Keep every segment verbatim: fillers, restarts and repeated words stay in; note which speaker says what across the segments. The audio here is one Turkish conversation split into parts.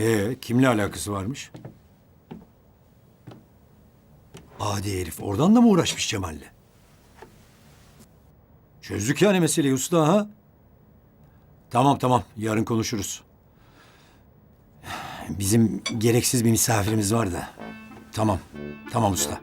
Speaker 1: Ee, kimle alakası varmış? Adi herif oradan da mı uğraşmış Cemal'le? Çözdük yani meseleyi usta ha? Tamam tamam yarın konuşuruz. Bizim gereksiz bir misafirimiz var da. Tamam, tamam usta.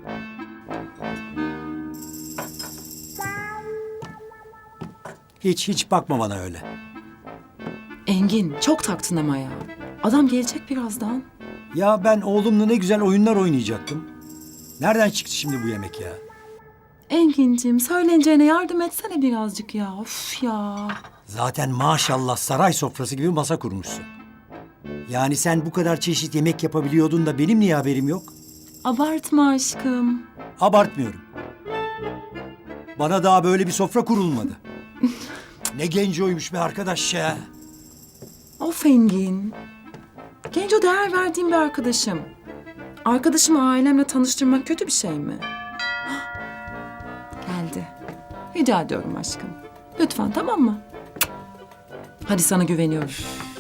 Speaker 1: Hiç hiç bakma bana öyle.
Speaker 2: Engin çok taktın ama ya. Adam gelecek birazdan.
Speaker 1: Ya ben oğlumla ne güzel oyunlar oynayacaktım. Nereden çıktı şimdi bu yemek ya?
Speaker 2: Engin'cim söyleneceğine yardım etsene birazcık ya. Of ya.
Speaker 1: Zaten maşallah saray sofrası gibi masa kurmuşsun. Yani sen bu kadar çeşit yemek yapabiliyordun da benim niye haberim yok?
Speaker 2: Abartma aşkım.
Speaker 1: Abartmıyorum. Bana daha böyle bir sofra kurulmadı. Ne gencoymuş be arkadaş ya.
Speaker 2: Of Engin. Genco değer verdiğim bir arkadaşım. Arkadaşımı ailemle tanıştırmak kötü bir şey mi? Hah, geldi. Rica ediyorum aşkım. Lütfen tamam mı? Hadi sana güveniyorum.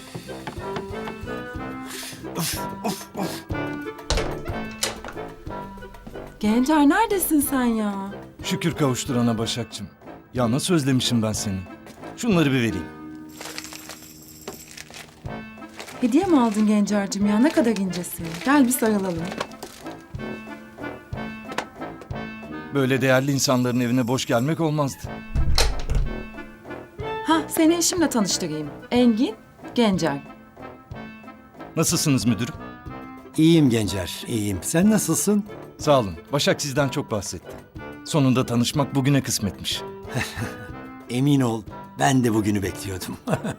Speaker 2: Gencer neredesin sen ya?
Speaker 3: Şükür kavuşturana Başakçım. Ya nasıl özlemişim ben seni. Şunları bir vereyim.
Speaker 2: Hediye mi aldın Gencer'cim ya? Ne kadar incesin. Gel bir sarılalım.
Speaker 3: Böyle değerli insanların evine boş gelmek olmazdı.
Speaker 2: Ha, seni eşimle tanıştırayım. Engin, Gencer.
Speaker 3: Nasılsınız müdürüm?
Speaker 1: İyiyim Gencer, iyiyim. Sen nasılsın?
Speaker 3: Sağ olun. Başak sizden çok bahsetti. Sonunda tanışmak bugüne kısmetmiş.
Speaker 1: Emin ol, ben de bugünü bekliyordum.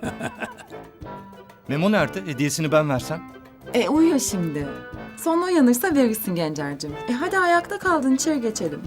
Speaker 3: Memo nerede? Hediyesini ben versem.
Speaker 2: E uyuyor şimdi. Sonra uyanırsa verirsin Gencer'cim. E hadi ayakta kaldın içeri geçelim.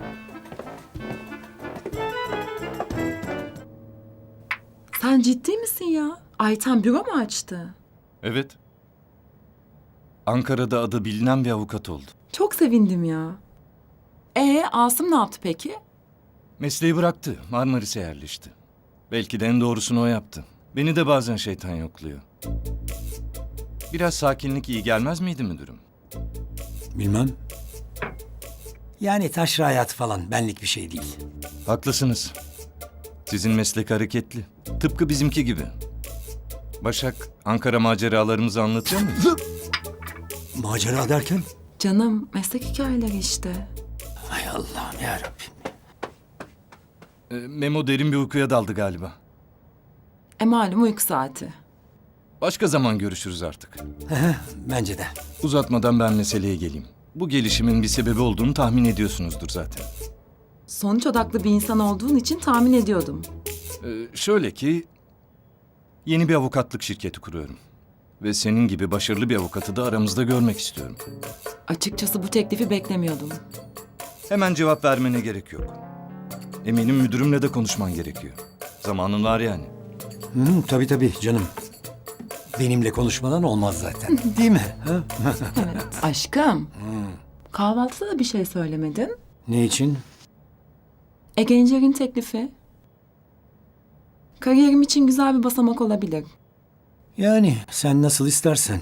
Speaker 2: Sen ciddi misin ya? Ayten büro mu açtı?
Speaker 3: Evet. Ankara'da adı bilinen bir avukat oldu.
Speaker 2: Çok sevindim ya. E Asım ne yaptı peki?
Speaker 3: Mesleği bıraktı. Marmaris'e yerleşti. Belki de en doğrusunu o yaptı. Beni de bazen şeytan yokluyor. Biraz sakinlik iyi gelmez miydi müdürüm?
Speaker 1: Bilmem. Yani taşra hayatı falan benlik bir şey değil.
Speaker 3: Haklısınız. Sizin meslek hareketli. Tıpkı bizimki gibi. Başak, Ankara maceralarımızı anlatıyor muyuz?
Speaker 1: Macera derken?
Speaker 2: Canım meslek hikayeleri işte.
Speaker 1: Hay Allah'ım yarabbim.
Speaker 3: Ee, Memo derin bir uykuya daldı galiba.
Speaker 2: E malum uyku saati.
Speaker 3: Başka zaman görüşürüz artık.
Speaker 1: Bence de.
Speaker 3: Uzatmadan ben meseleye geleyim. Bu gelişimin bir sebebi olduğunu tahmin ediyorsunuzdur zaten.
Speaker 2: Sonuç odaklı bir insan olduğun için tahmin ediyordum.
Speaker 3: Ee, şöyle ki... Yeni bir avukatlık şirketi kuruyorum. Ve senin gibi başarılı bir avukatı da aramızda görmek istiyorum.
Speaker 2: Açıkçası bu teklifi beklemiyordum.
Speaker 3: Hemen cevap vermene gerek yok. Eminim müdürümle de konuşman gerekiyor. Zamanın var yani.
Speaker 1: Hı, tabii tabii canım. Benimle konuşmadan olmaz zaten. Değil mi? Ha?
Speaker 2: Evet. Aşkım. Kahvaltıda da bir şey söylemedin.
Speaker 1: Ne için?
Speaker 2: E Gencer'in teklifi. Kariyerim için güzel bir basamak olabilir.
Speaker 1: Yani sen nasıl istersen.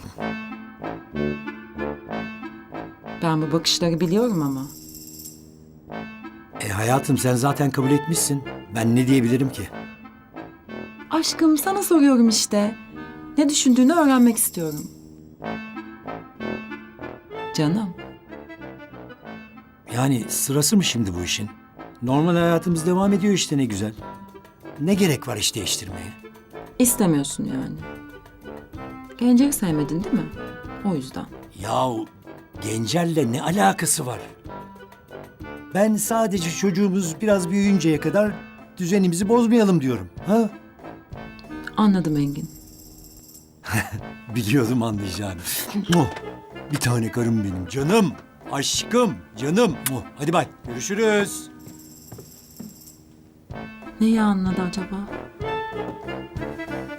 Speaker 2: Ben bu bakışları biliyorum ama.
Speaker 1: E hayatım sen zaten kabul etmişsin. Ben ne diyebilirim ki?
Speaker 2: Aşkım sana soruyorum işte. Ne düşündüğünü öğrenmek istiyorum. Canım.
Speaker 1: Yani sırası mı şimdi bu işin? Normal hayatımız devam ediyor işte ne güzel. Ne gerek var iş değiştirmeye?
Speaker 2: İstemiyorsun yani. Gencer'i sevmedin değil mi? O yüzden.
Speaker 1: Yahu Gencer'le ne alakası var? Ben sadece çocuğumuz biraz büyüyünceye kadar düzenimizi bozmayalım diyorum. Ha?
Speaker 2: Anladım Engin.
Speaker 1: Biliyordum anlayacağını. Muh! Bir tane karım benim canım. Aşkım, canım. Muh! Hadi bay. Görüşürüz.
Speaker 2: Neyi anladı acaba?